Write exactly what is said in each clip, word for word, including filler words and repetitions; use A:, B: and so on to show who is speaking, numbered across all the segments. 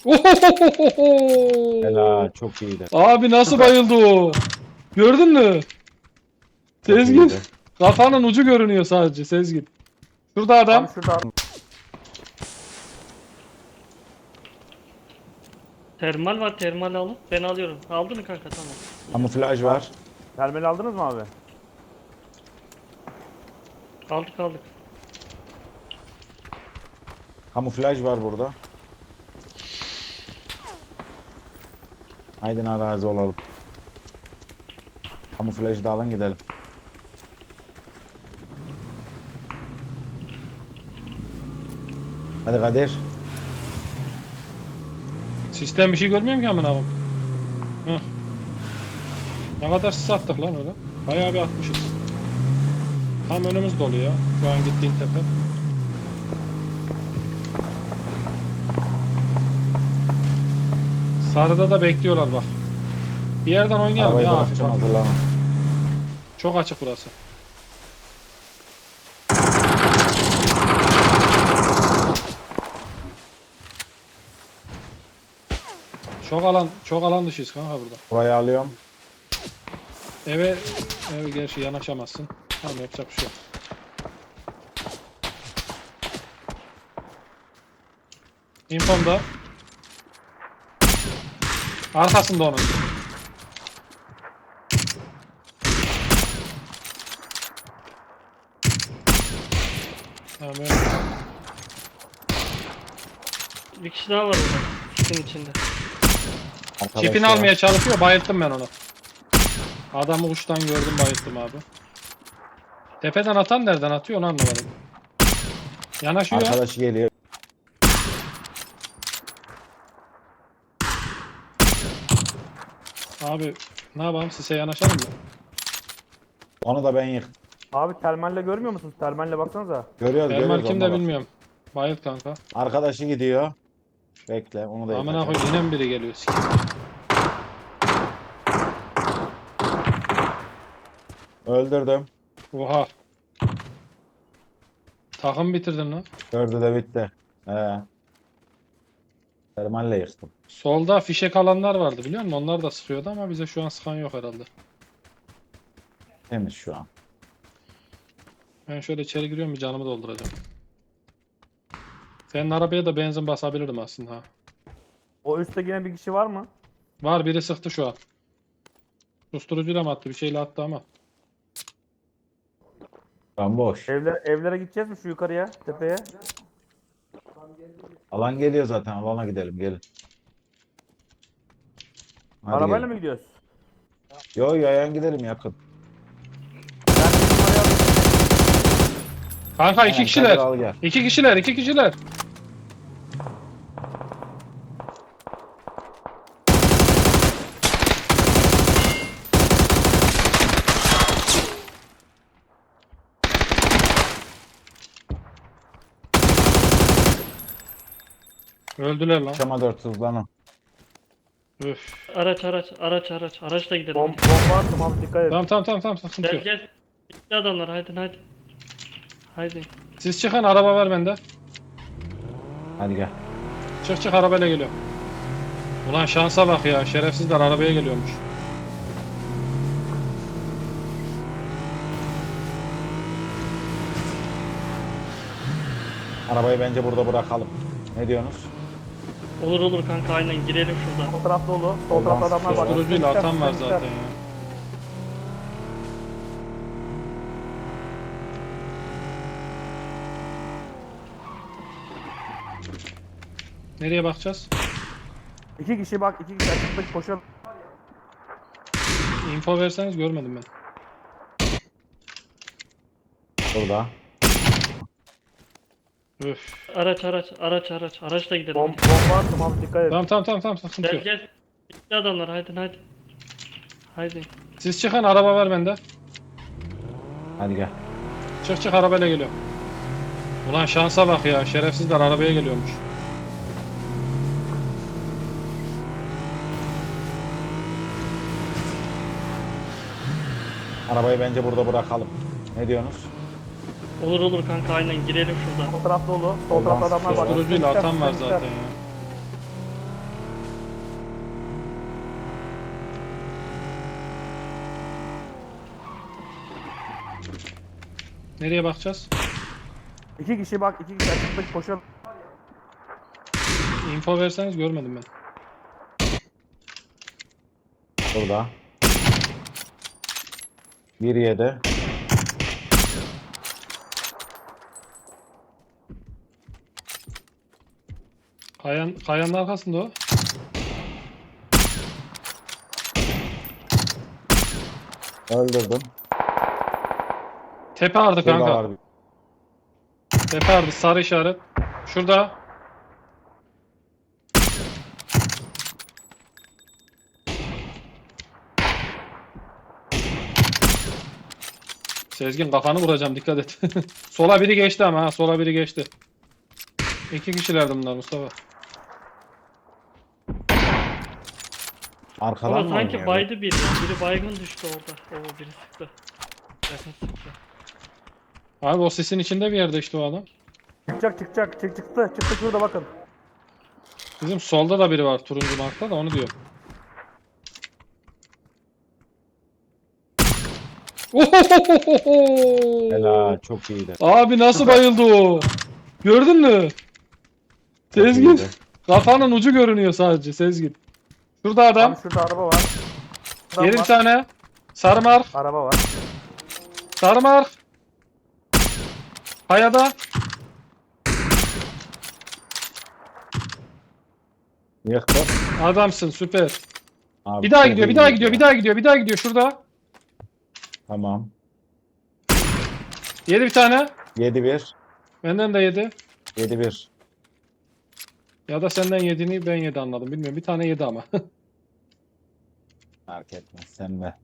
A: Ohohohoho!
B: Helal, çok iyiydi.
A: Abi nasıl bayıldı o? Gördün mü?
B: Çok
A: Sezgin.
B: iyiydi.
A: Kafanın ucu görünüyor sadece Sezgin. Şurada adam.
C: Abi şurada adam.
D: Termal var, termal alıp ben alıyorum. Aldın mı kanka? Tamam.
B: Kamuflaj var.
C: Termal aldınız mı abi?
D: Aldık aldık.
B: Kamuflaj var burada. Haydi arazi olalım. Kamuflajı da alın gidelim. Hadi Kadir.
A: Sistem bir şey görmüyorum ki amına koyayım. Heh. Ne kadar sis attık lan öyle. Bayağı bir atmışız. Tam önümüz dolu ya. Şu an gittiğin tepe. Sarıda da bekliyorlar bak. Bir yerden oynayalım
B: Arabayı
A: ya hafif
B: bırakacağım,
A: hafif.
B: hazırlanın.
A: Çok açık burası. Çok alan, çok alan dışıyız kanka burada.
B: Burayı alıyorum.
A: Eve, eve gerçi yanaşamazsın. Tamam yapacak bir şey yok. İnfomda. Arkasında onun. Tamam öyle.
D: Bir kişi daha var orada. Sisin içinde.
B: Arkadaş
A: Çipini
B: ya.
A: almaya çalışıyor. Bayılttım ben onu. Adamı uçtan gördüm, bayılttım abi. Tepeden atan nereden atıyor onu anlamadım. Yanaşıyor.
B: Arkadaşı geliyor.
A: Abi ne yapalım, size yanaşalım mı?
B: Onu da ben yıktım.
C: Abi termalle görmüyor musunuz? Termalle baksanıza.
B: Görüyoruz,
A: Termal
B: görüyoruz.
A: kimde
B: ona bak.
A: bilmiyorum. Bayılt kanka.
B: Arkadaşı gidiyor. Bekle, onu da
A: Amına
B: yıkacağım.
A: koy, yine mi biri geliyor? Sikeyim.
B: Öldürdüm.
A: Oha. Takım bitirdin lan.
B: Dördü de bitti. He. Termalle yıktım.
A: Solda fişek alanlar vardı biliyor musun? Onlar da sıkıyordu ama bize şu an sıkan yok herhalde.
B: Temiz şu an.
A: Ben şöyle içeri giriyorum, bir canımı dolduracağım. Senin arabaya da benzin basabilirdim aslında ha.
C: O üstte yine bir kişi var mı?
A: Var, biri sıktı şu an. Susturucuyla mı attı? Bir şeyle attı ama.
B: Şu boş.
C: Evler, evlere gideceğiz mi şu yukarıya, tepeye?
B: Alan geliyor zaten. Alana gidelim, gelin. Hadi
C: Arabayla
B: gelin.
C: mı gidiyoruz?
B: Yo, yayan gidelim yakın.
C: Ben bir numarayı alayım.
A: Kanka iki
B: Aynen,
A: kişiler.
B: Kadir al gel.
A: İki kişiler, iki kişiler. Öldüler lan.
B: Şama dört hızlanın.
A: Üf.
D: Araç araç araç araç. Araçla gidelim.
C: Bom, bomba attım abi, dikkat et.
A: Tamam tamam tamam tamam, sıkıntı
D: Gel
A: yok.
D: gel. Gitti adamlar, haydi haydi. Haydi.
A: Siz çıkın, araba var bende.
B: Hadi gel.
A: Çık çık, arabayla geliyor. Ulan şansa bak ya, şerefsizler arabaya geliyormuş.
B: Arabayı bence burada bırakalım. Ne diyorsunuz?
D: Olur olur kanka, aynen, girelim
C: Sol
D: şuradan. tarafta
C: taraf dolu. Sol tarafta adamlar var.
B: Susturucuyla
C: Üstte
A: Susturucuyla
C: gitler,
A: atan var
C: üstte
A: zaten
C: gitler.
A: ya. Nereye bakacağız?
C: İki kişi bak, iki kişi açıkta koşuyor.
A: Info verseniz, görmedim ben.
B: Burada.
A: Üf.
D: Araç araç araç araç. Araçla gidelim.
C: Bom, bomba attım abi, dikkat et.
A: Tamam tamam tamam tamam, sıkıntı
D: Gel
A: yok.
D: gel. Gitti adamlar, haydi haydi. Haydi.
A: Siz çıkın, araba var bende.
B: Hadi gel.
A: Çık çık, arabayla geliyor. Ulan şansa bak ya, şerefsizler arabaya geliyormuş.
B: Arabayı bence burada bırakalım. Ne diyorsunuz?
D: Olur olur kanka, aynen, girelim şuradan.
C: Sol taraf dolu. Sol tarafta adamlar var. Üstte
A: Susturucuyla
C: gitler,
A: atan var
C: üstte
A: zaten
C: gitler.
A: ya. Nereye bakacağız?
C: İki kişi bak, iki kişi açıklık koşuyor.
A: Info verseniz görmedim ben.
B: Burada. Bir yedi.
A: Kayan, kayanın arkasında o.
B: Öldürdüm.
A: Tepe ardı
B: Şurada
A: kanka.
B: var bir.
A: Tepe ardı sarı işaret. Şurada. Sezgin kafanı vuracağım dikkat et. Sola biri geçti ama ha sola biri geçti. İki kişilerdi bunlar Mustafa.
B: Arkadan
D: Ama
B: mı
D: sanki
B: oynuyor?
D: baydı biri. Biri baygın düştü orada. Oo biri sıktı. Yakın sıktı.
A: Abi o sisin içinde bir yerde işte o adam.
C: Çıkacak, çıkacak, çık çıktı, çıktı şurada bakın.
A: Bizim solda da biri var turuncu markta da onu diyor. Ohohohoho!
B: Helal, çok iyiydi.
A: Abi nasıl
C: Süper.
A: bayıldı o? Gördün mü?
B: Çok
A: Sezgin.
B: iyiydi.
A: Kafanın ucu görünüyor sadece Sezgin. Şurada adam.
C: Abi şurada araba var. Adam
A: Yedi bir
C: var.
A: tane. Sarı mark.
C: Araba var.
A: Sarı mark. Hayada.
B: Yıktı.
A: Adamsın süper.
B: Abi,
A: Bir daha
B: çok
A: gidiyor, bir
B: iyi
A: daha
B: gidiyor.
A: gidiyor, bir daha gidiyor, bir daha gidiyor şurada.
B: Tamam.
A: Yedi bir tane.
B: yedi bir.
A: Benden de yedi.
B: yedi bir.
A: Ya da senden yediğini ben yedi anladım. Bilmiyorum. Bir tane yedi ama.
B: Fark etmez. Sen de.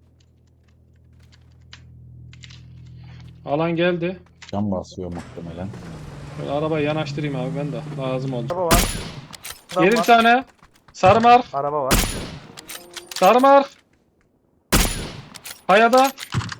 A: Alan geldi.
B: Cam basıyor muhtemelen.
A: Böyle arabayı yanaştırayım abi ben de. Lazım oldu.
C: Araba var. Adam
A: Yedi bir
C: var.
A: tane. Sarı mark.
C: Araba var.
A: Sarı mark. Hayada.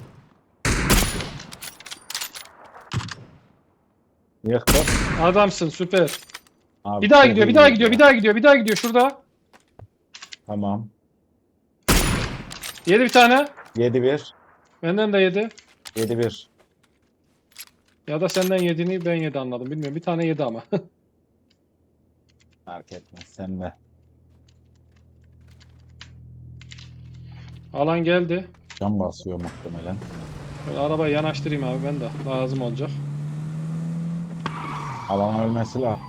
B: Yıktı.
A: Adamsın süper.
B: Abi,
A: Bir daha
B: çok
A: gidiyor,
B: iyi
A: bir daha gidiyor, bir
B: gidiyor.
A: daha gidiyor, bir daha gidiyor şurada.
B: Tamam.
A: Yedi bir tane.
B: yedi bir.
A: Benden de yedi.
B: yedi bir.
A: Ya da senden yediğini ben yedi anladım. Bilmiyorum. Bir tane yedi ama.
B: Fark etmez. Sen de.
A: Alan geldi.
B: Cam basıyor muhtemelen.
A: Böyle arabayı yanaştırayım abi ben de. Lazım olacak.
B: Alan ölmesi lazım.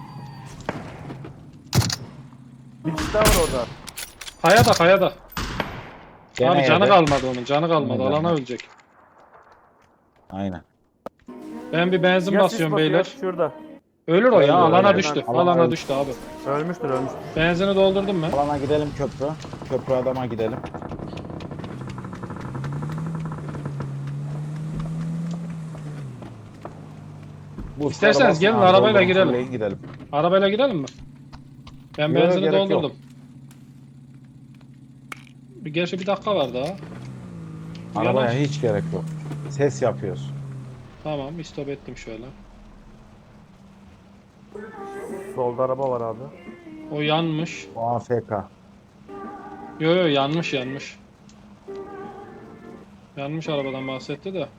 C: Bir kişi daha var orada.
A: Hayada, hayada.
B: Gene
A: Abi canı
B: yedi.
A: kalmadı onun. Canı kalmadı.
B: Gene
A: Alana
B: geldi.
A: ölecek.
B: Aynen.
A: Ben bir benzin
C: Ya sis
A: basıyorum
C: basıyor,
A: beyler.
C: Şurada.
A: Ölür o
B: Öldü,
A: ya. Alana
B: öldü.
A: düştü.
B: Alan
A: Alana
B: öldü.
A: düştü abi.
C: Ölmüştür, ölmüştür.
A: Benzini doldurdum ben.
B: Alana gidelim köprü. Köprü adama gidelim. Bu
A: İsterseniz
B: arabasını
A: gelin,
B: abi
A: arabayla
B: doldurun,
A: girelim.
B: fulleyin gidelim.
A: Arabayla gidelim mi? Ben
B: Yok,
A: benzini
B: gerek yok.
A: doldurdum. Bir Gerçi bir dakika var daha.
B: Arabaya
A: Yanaş.
B: hiç gerek yok. Ses yapıyoruz.
A: Tamam, istop ettim şöyle.
C: Solda araba var abi.
A: O yanmış.
B: O A F K.
A: Yo yo yanmış yanmış. Yanmış arabadan bahsetti de.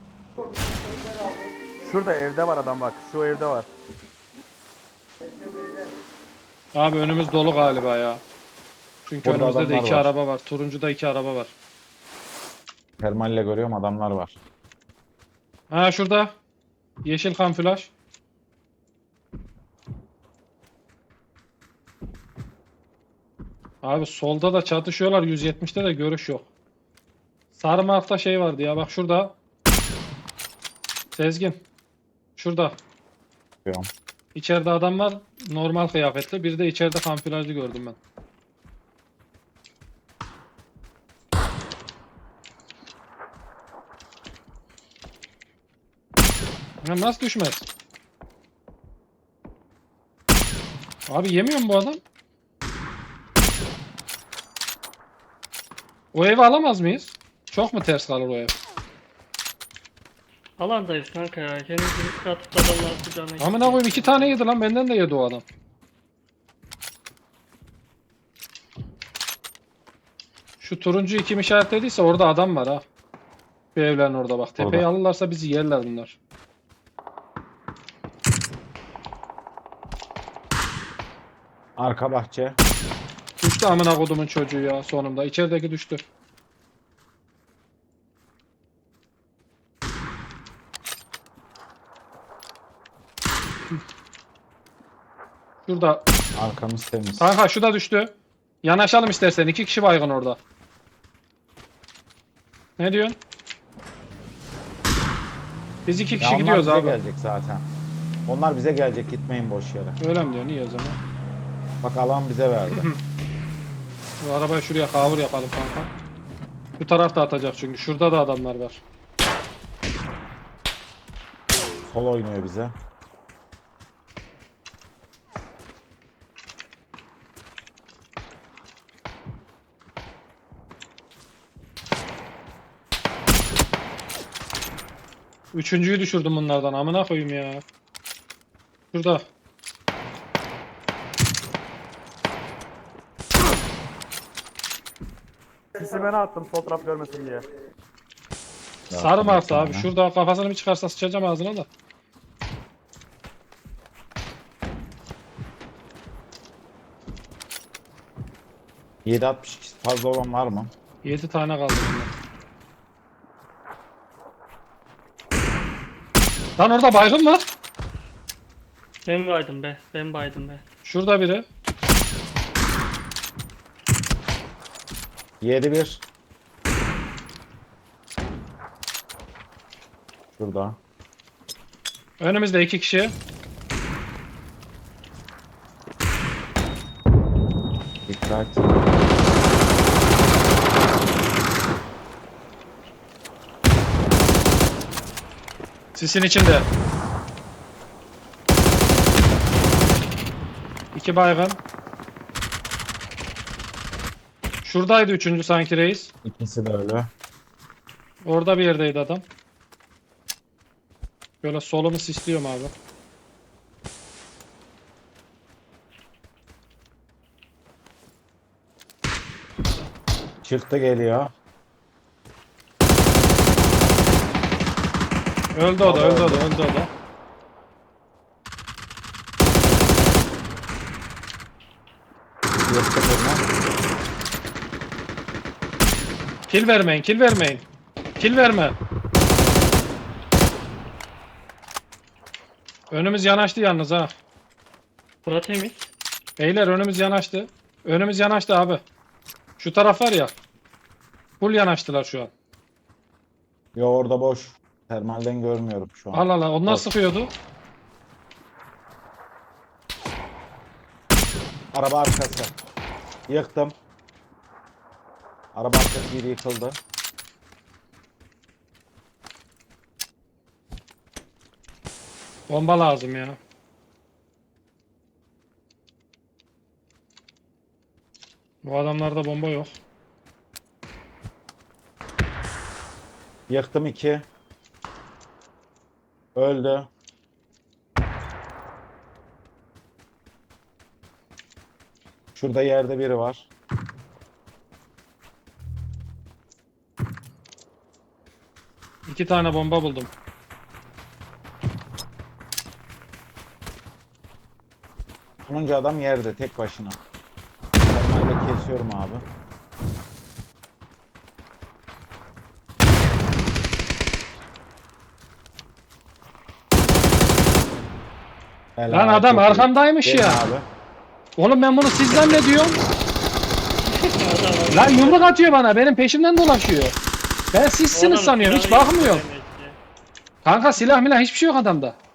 C: Şurada evde var adam bak. Şu evde var.
A: Abi önümüz dolu galiba ya. Çünkü
B: Burada
A: önümüzde de
B: adamlar
A: iki
B: var.
A: araba var. Turuncuda iki araba var.
B: Termalle görüyorum adamlar var.
A: Ha şurada. Yeşil kamuflaj. Abi solda da çatışıyorlar. yüz yetmişte de görüş yok. Sarı markta şey vardı ya. Bak şurada. Sezgin. Şurada.
B: Görüyorum.
A: İçeride adam var. Normal kıyafetli. Bir de içeride kamuflajlı gördüm ben. Ya nasıl düşmez? Abi yemiyor mu bu adam? O evi alamaz mıyız? Çok mu ters kalır o ev?
D: Alandayız kanka ya. Kendimizi riske atıp da adamlar kucağına
A: Amına koyayım iki tane yedi lan, benden de yedi o adam. Şu turuncu kim işaretlediyse orada adam var ha. Bir evlerin orada bak. Tepeyi
B: Orada.
A: alırlarsa bizi yerler bunlar.
B: Arka bahçe.
A: Düştü amına kodumun çocuğu ya sonunda. İçerideki düştü. Şurada.
B: Arkamız temiz.
A: Kanka şu da düştü. Yanaşalım istersen. İki kişi baygın orada. Ne diyorsun? Biz iki
B: Ya
A: kişi
B: onlar
A: gidiyoruz
B: bize
A: abi.
B: gelecek zaten. Onlar bize gelecek, gitmeyin boş yere.
A: Öyle mi diyorsun? İyi o zaman.
B: Bak alan bize verdi.
A: Bu arabayı şuraya kavur yapalım kanka. Bu tarafta atacak çünkü. Şurada da adamlar var.
B: Sol oynuyor bize.
A: Üçüncüyü düşürdüm bunlardan. Amına koyayım ya. Şurada.
C: Sisi ben attım sol taraf görmesin diye.
A: Sarı martı abi.
B: sana.
A: Şurada kafasını bir çıkarsa sıçacağım ağzına da.
B: yedi altmış iki fazla olan var mı?
A: Yedi tane kaldı bunda. Lan orada baygın var.
D: Ben baydım be. Ben baydım be.
A: Şurada biri.
B: yedi bir. Şurada.
A: Önümüzde iki kişi.
B: Dikkat.
A: Sisin içinde. İki baygın. Şuradaydı üçüncü sanki reis.
B: İkisi de öyle.
A: Orada bir yerdeydi adam. Böyle solumu sisliyorum abi.
B: Çıktı geliyor.
A: Öldü o da, öldü o da, öldü o da.
B: Yıktık onu.
A: Kill vermeyin, kill vermeyin. Kill verme. Önümüz yanaştı yalnız ha.
D: Bura temiz.
A: Beyler önümüz yanaştı. Önümüz yanaştı abi. Şu taraf var ya. Full yanaştılar şu an.
B: Yo orada boş. Termalden görmüyorum şu an.
A: Allah Allah, onlar
B: Bak.
A: sıkıyordu.
B: Araba arkası. Yıktım. Araba arkası biri yıkıldı.
A: Bomba lazım ya. Bu adamlarda bomba yok.
B: Yıktım iki. Öldü. Şurada yerde biri var.
A: İki tane bomba buldum.
B: Sonuncu adam yerde tek başına. Termalde kesiyorum abi. Helal,
A: Lan adam
B: çok iyi.
A: arkamdaymış
B: Gelin
A: ya.
B: Abi.
A: Oğlum ben bunu siz zannediyorum.
D: Adam var.
A: Lan yumruk atıyor bana. Benim peşimden dolaşıyor. Ben sizsiniz
D: Adam
A: sanıyorum. Hiç
D: silahı
A: bakmıyorum.
D: yok demek ki.
A: Kanka silah milah hiçbir şey yok adamda.